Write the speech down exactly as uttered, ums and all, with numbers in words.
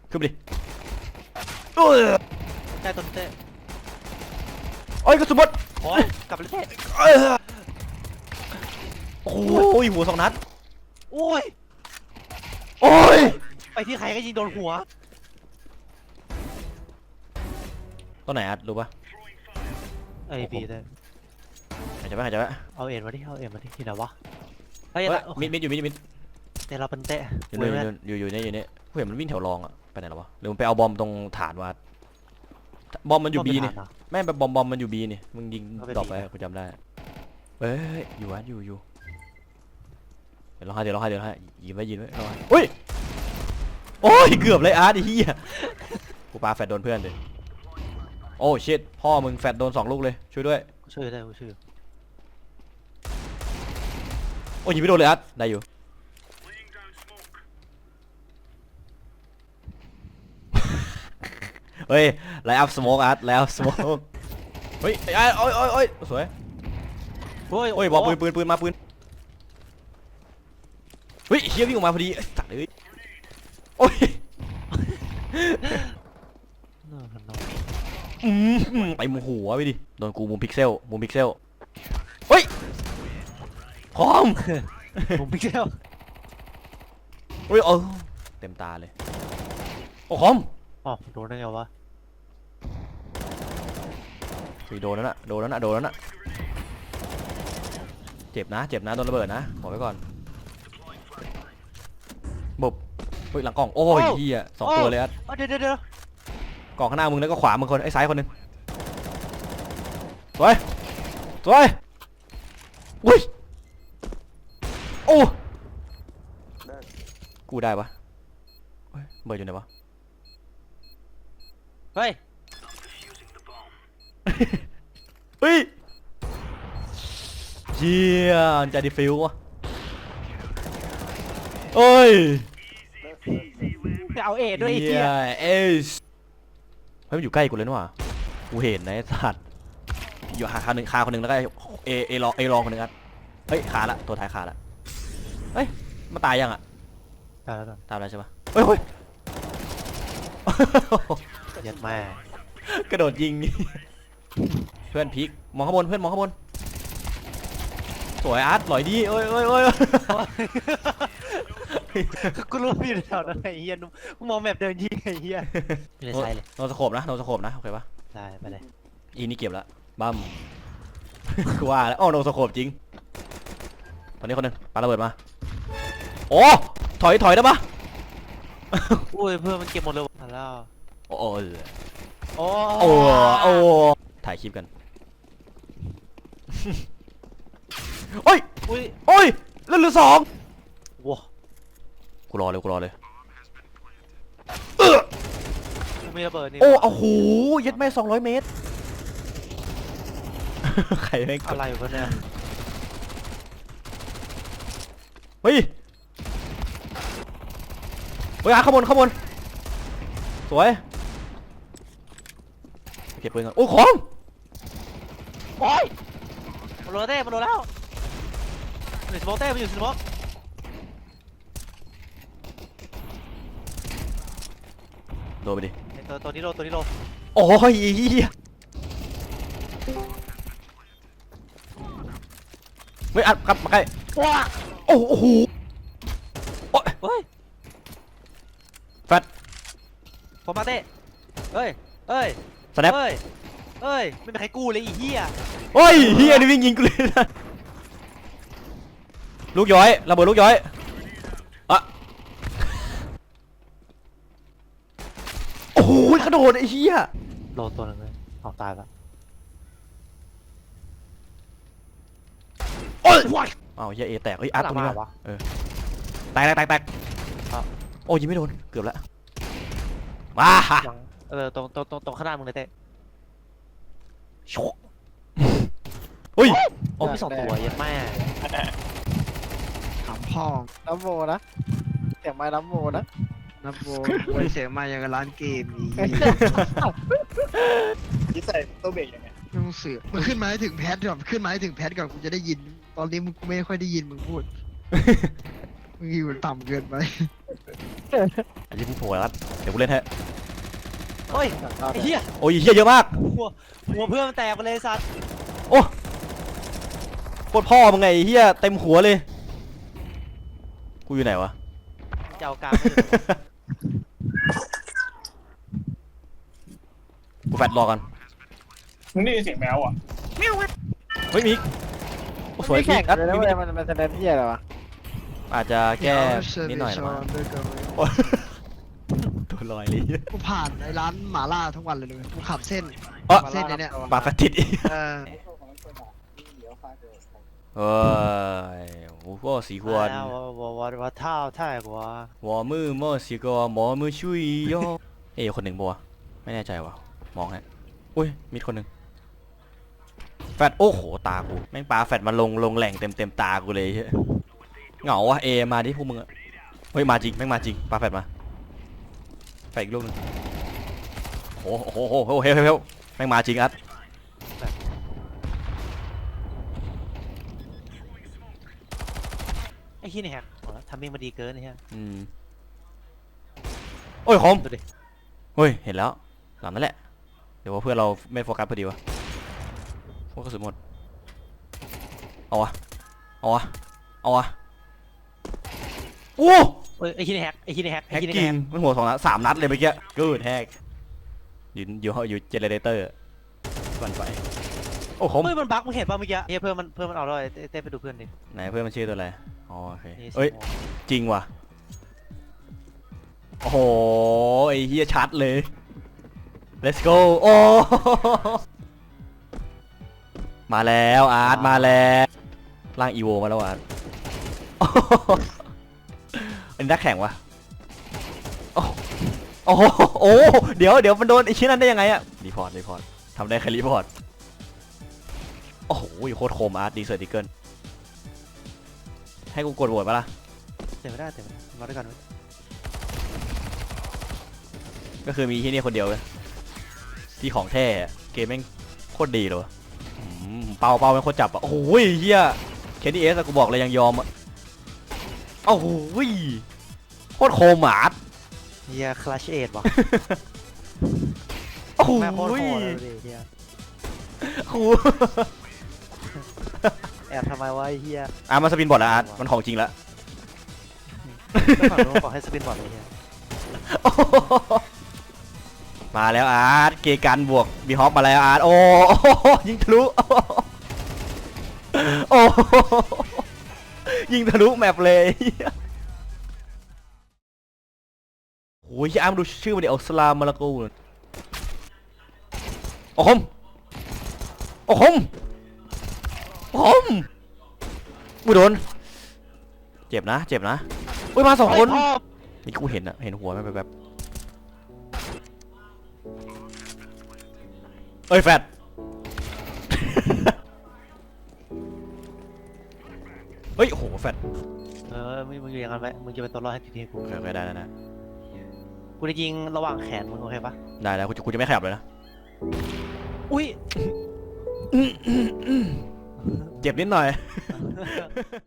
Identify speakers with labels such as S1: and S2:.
S1: ขึ้นไปดิเออ
S2: ใช่ต้นเต้
S1: โอ้ยกระสุนหมด
S2: โอ้ยกลับเลยเต้
S1: เออโอ้ยหัวสองนัด
S2: โอ้ย
S1: โอ้ย
S2: ไปที่ใครก็ยิงโดนหัว
S1: ตัวไหนอัดรู้ปะ
S2: ไอ้บีเต้
S1: หายใจปะหายใจปะ
S2: เอาเอ็นมาดิเอาเอ็นมาดิที่ไหนวะเฮ้ย
S1: เฮ้ย
S2: โอเค
S1: มิดมิดอยู่มิดอยู่มิด
S2: เต้เราเป็นเต้
S1: อยู่
S2: เว้ย
S1: นี่
S2: แม่
S1: อยู่อยู่นี่อยู่นี่กูเห็นมันวิ่งแถวรองอะไปไหนแล้ววะหรือมันไปเอาบอมตรงฐานวะบอมมันอยู่บีนี่แม่งแบบบอมบอมมันอยู่บีนี่มึงยิงดรอปไปกูจำได้เฮ้ยอยู่อัดอยู่อยู่เดี๋ยวร้องไห้เดี๋ยวร้องไห้เดี๋ยวร้องไห้ยิงไว้ยิงไว้ร้องไห้อุ้ยโอ้ยเกือบเลยอาร์ตไอ้เหี้ยกูปาแฟดโดนเพื่อนเลยโอ้ชิตพ่อมึงแฟดโดนสองลูกเลยช่วยด้วย
S2: ช่วยได้กูช่วย
S1: โอ้ยยิงไม่โดนเลยอาร์ตได้อยู่เฮ้ยไลน์อัพสโมกอาร์ตไลน์อัพสโมกเฮ้ยไอ้โอ้ยโอ้ยโอ้ยสวย
S2: โอ้ย
S1: โอ้ยบอกปืนปืนปืนมาปืนเฮ้ยเฮียวิ่งออกมาพอดีตัดเลยโอ้ยอืมไปมุมหัวไปดิโดนกูมุมพิกเซลมุมพิกเซลเฮ้ยคอม
S2: ผมพิกเซล
S1: เฮ้ยเออเต็มตาเลยโอ้คอม
S2: อ๋อโดนได้ไงวะ
S1: โดนแล้วนะโดนแล้วนะโดนแล้วนะเจ็บนะเจ็บนะโดนระเบิดนะบอกไว้ก่อนบุบเฮ้ยหลังกล่องโอ้ยเฮียสองตัวเลยอ่ะ
S2: เดี๋ยวเดี๋ยวเดี๋ยว
S1: กล่องข้างหน้ามึงแล้วก็ขวามึงคนไอ้ซ้ายคนหนึ่งสวยสวยอุ้ยโอ้กูได้ปะเฮ้ยเบิร์ดอยู่ไหนวะ
S2: เฮ้ย
S1: เฮ้ยเจียนจะดิฟิววะเอ้ย
S2: จะเอาเอ็ดด้วยไอ้
S1: เจี
S2: เหี้
S1: ย
S2: ย
S1: เอสเฮ้ยมันอยู่ใกล้กูเลยนี่หว่ากูเห็นนะไอ้สัตว์อยู่ขาคนหนึ่งขาคนหนึ่งแล้วก็เอเอรองเอรองคนหนึ่งครับเฮ้ยขาละตัวท้ายขาละเฮ้ยมาตายยังอ่ะ
S2: ตายแล้วตาย
S1: ตามแล้วใช่ปะเฮ้ยเฮ้ย
S2: ยัดแม่
S1: กระโดดยิง เพื่อนพีกมองข้างบนเพื่อนมองข้างบนสวยอาร์ตหล่อยดีโอ้ยโอ้ยโอ้ย
S2: กูรู้ว่าอยู่แถวนั้นไอ้เหี้ยกูมองแบบเดินยิงไอ้เหี้ยไม่ได้ใช่เลย
S1: โนสโคปนะโนสโคปนะโอเคปะ
S2: ได้ไปเลย
S1: อีนี่เก็บละบัม กูว่าแล้วอ๋อโนสโคปจริงตอนนี้คนหนึงปาระเบิดมาโอ้ถอยถอยได้ปะ
S2: อุ้ยเพื่อนมันเก็บหมดเลยมาแล้ว
S1: โอ้โอ้
S2: โอ้
S1: โอ้โอ้ถ่ายคลิปกัน โอ้ย
S2: อุ้ย
S1: โอ้ยเล่นเหลือสอง
S2: ว้า
S1: กูรอเลยกูรอเลย
S2: กูมีระเบิดนี่
S1: โอ้โอ้โหยัดแม่สองร้อยเมตร ใครแม่งก
S2: อะ
S1: ด
S2: ไรวะเนี่ย
S1: เฮ้ยเฮ้ยอ่ะข้างบนข้างบนสวยเก็บปืนก่อนโอ้ของ
S2: โอ้ยมันโดนเต้มันโดนแล้วมันอยู่สโมกเต้มันอยู่สโมก
S1: โดนไปดิ
S2: ตัวตัวนี้โดนตัวนี้โดน
S1: โอ้ยเหี้ยเฮ้ยอัดกลับมาใกล้
S2: ว้า
S1: โอ้โหโอ้ย
S2: เฮ้ย
S1: แฟต
S2: ผมมาเต้เฮ้ยเฮ้ย
S1: สแนป
S2: เฮ้ยเฮ้ยไม่มีใครกู้เลยไอ้เหี้ย
S1: โอ้ยเฮียนี่วิ่งยิงกูเลยนะลูกย้อยระเบิดลูกย้อยอะโอ้โหกระโดดไอ้เหี้ย
S2: โดนตัวหนึงเลยเอาตายแล้ว
S1: โอ้ยอ้าวเฮียเอแตกเฮ้ยอัดตรงนี้
S2: วะ
S1: เออแตกแตกแตกแตก
S2: ครับ
S1: โอ้ยยิงไม่โดนเกือบแล้วว้าฮะ
S2: เออตรงตรงตรงตรงข้างหน้ามึงเลยเต้
S1: ชกเฮ้ย
S2: โอ้พี่สองตัวยัดแม่
S3: ถามพ่อน้ำโมนะเสียงไม้น้ำโมนะ
S4: นับโบไว้เสียงมาอย่างกับร้านเกมนี้
S3: นี่ใส่ตัวเบรกยังไง
S4: ไม่ต้องเสือกมันขึ้นมาให้ถึงแพทก่อนขึ้นมาให้ถึงแพทก่อนกูจะได้ยิน ตอนนี้มึงกูไม่ค่อยได้ยินมึงพูด มึงอยู่ต่ำเกินไป
S1: ไอ้ที่มึงโผล่แล้วเดี๋ยวกูเล่นให้
S2: โอ้ยไอ้เหี้ย
S1: โอ้ยเฮียเยอะมาก
S2: หัวหัวเพื่อนมันแตกไปเลยสัตว์
S1: โอ้โคตรพ่อมึงไงไอ้เฮียเต็มหัวเลยกูอยู่ไหนวะ
S2: จะเอากลางไม่ได้
S1: กูแฟดรอกัน
S5: มึงได้ยินเสียงแมวอ่ะ
S1: เฮ้ยมิกโอ้สวย
S3: ไม่
S1: มิ
S3: แข่ง
S1: ก
S3: กั
S1: อั
S3: น
S1: ด
S3: เลยนะ
S1: มิ
S3: เว้ย
S1: ก
S3: มันมันแสดงที่อะไรวะ
S1: อาจจะแก้นิดหน่อยนะ
S4: มั้
S1: มั้
S4: ง
S1: งโอ้ยตัวลอยเลย
S4: กูผ่านไอ้ร้านหม่าล่าทุกวันเลยเลยกูขับเส้น
S1: เอ้อ
S4: เส้นไอ้เนี่ย
S1: ปากแฟดติดอีก
S4: เออ
S1: เฮ้ยโอ้โหสีหวน
S2: 啊我我我我套泰国
S1: วอมือมอสิกอหมอมือชุยโยเอ้ยคนหนึ่งบัวะไม่แน่ใจวะมองฮะอุ้ยมิดคนหนึ่งแฟดโอ้โหตากูแม่งปลาแฟดมาลงลงแหล่งเต็มเต็มตากูเลยเฮ้ยเหงาวะเอมาดิพวกมึงอะเฮ้ยมาจริงแม่งมาจริงปลาแฟดมาแฟดอีกลูกหนึงโอ้โหโอ้โหโอ้โหเฮ้ยเฮ้ยเฮ้ยแม่งมาจริงอัด
S2: ไอ้ขี้นี่แฮกทำมิ่งมาดีเกินไอ้เหี้ย
S1: อืมโอ้ยคม
S2: ดูดิ
S1: เฮ้ยเห็นแล้วหลังนั่นแหละเดี๋ยวว่าเพื่อนเราไม่โฟกัสพอดีวะพวกกระสุนหมดเอาวะเอาวะเอาวะโอ้
S2: เอ้ยไอ้ขี้นี่แฮกไอ้ขี้นี่แฮก
S1: แฮ
S2: ไอ้
S1: ก
S2: ขี้นี่
S1: กิ้
S2: แฮ
S1: ง
S2: ก
S1: มันหัวสองนัดสามนัดเลยเมื่อกี้กูดแฮกอยู่อยู่อยู่เจเนเรเตอร์ก่อนไปโอ้คม
S2: เฮ้ยมันบั๊กมึงเห็นป่ะเมื่อกี้เฮ้ยเพื่อนมันเพื่อนมันเอาด้วยเต้เต้ไปดูเพื่อนดิ
S1: ไหนเพื่อนมันชื่อตัวอะไรอ๋อโอเค
S2: นี่
S1: เอ้ย
S2: สิบโมง
S1: จริงว่ะโอ้โหไอ้เฮียชัดเลย let's go โอ้มาแล้วอาร์ตมาแล้วร่างอีโวมาแล้วอาร์ตอันนี้นักแข่งวะโอ้โอ้โหโอ้เดี๋ยวเดี๋ยวมันโดนไอ้ชิ้นนั้นได้ยังไงอะรีพอร์ตรีพอร์ตทำได้แค่รีพอร์ตโอ้โหโคตรโคมอาร์ตดีเซอร์ติเกิลให้กูกดโหวตปะล่ะ
S2: เต็มไม่ได้เต็มไม่ได้มาด้วยกันเว้ย
S1: ก็คือมีที่นี่คนเดียวเลยที่ของแท้อะเกมแม่งโคตรดีเลยวะอืมเป่าเป่าแม่งโคตรจับอ่ะโอ้โหเฮียแคนดี้เอสกูบอกเลยยังยอมอ่ะโอ้โหโคตรโคมอาร์ต
S2: เฮียคลาชเอ็ดว่ะ
S1: โอ้โห
S2: แม่งโคตรโหดเลยดิเฮีย
S1: โอ้โห
S2: แอบทำไมวะไอ้เฮีย
S1: อ่ะมาสปินบอร์ดแล้วอาร์ตมันของจริงแล้ว
S2: แล้วฝั่งนู้นบอกให้สปินบอร์ดเลยเฮีย
S1: มาแล้วอาร์ตเกกันบวกบีฮอปมาแล้วอาร์ตโอ้ยิงทะลุโอ้ยิงทะลุแมปเลยโอ้ยอาร์มดูชื่อมันดิอัลสลามมาลากูโอ้คมโอ้คมโอ้คมอุ้ยโดนเจ็บนะเจ็บนะอุ้ยมาสองคนนี่กูเห็นอะเห็นหัวมันแบบเอ้ยแฟด เฮ้ยโหแฟด
S2: เออมึงมึงอยู่อย่างนั้นไว้มึงจะเป็นตัวรอดให้ทีมกู
S1: โอเคโอเคได้ได้ได้
S2: กูจะยิงระหว่างแขนมึงโอเคปะ
S1: ได้แล้วกูจะกูจะไม่ขยับเลยนะ
S2: อุ้ย
S1: เจ็บนิดหน่อย